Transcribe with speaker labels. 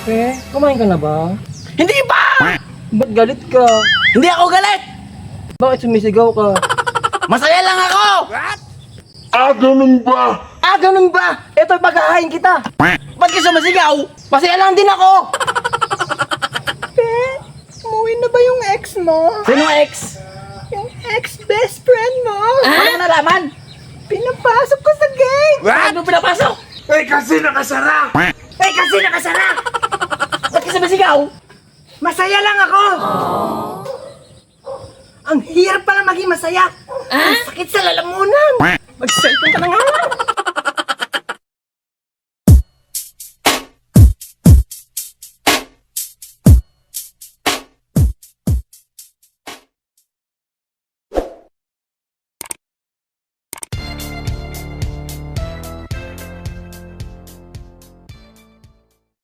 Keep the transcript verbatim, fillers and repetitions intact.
Speaker 1: Pe, kumain ka na ba?
Speaker 2: Hindi pa!
Speaker 1: Ba't galit ka?
Speaker 2: Hindi ako galit!
Speaker 1: Bakit sumisigaw ka?
Speaker 2: Masaya lang ako!
Speaker 3: Ah, ganun ba?
Speaker 1: Ah, ganun ba? Ito, paghahain kita.
Speaker 2: Ba't ka sumasigaw?
Speaker 1: Masaya lang din ako.
Speaker 4: Pe, umuwi na ba yung ex mo?
Speaker 2: Sino ex?
Speaker 4: Yung ex-best friend mo?
Speaker 2: Ano nalaman?
Speaker 4: Pinapasok ko sa gate!
Speaker 2: Ano pinapasok?
Speaker 3: Eh, kasi nakasara!
Speaker 4: Eh, kasi nakasara!
Speaker 2: Ba't ka sumasigaw?
Speaker 4: Masaya lang ako! Ang hirap pala maging masaya! Ang sakit sa lalamunan! Mag-cellphone ka na nga lang!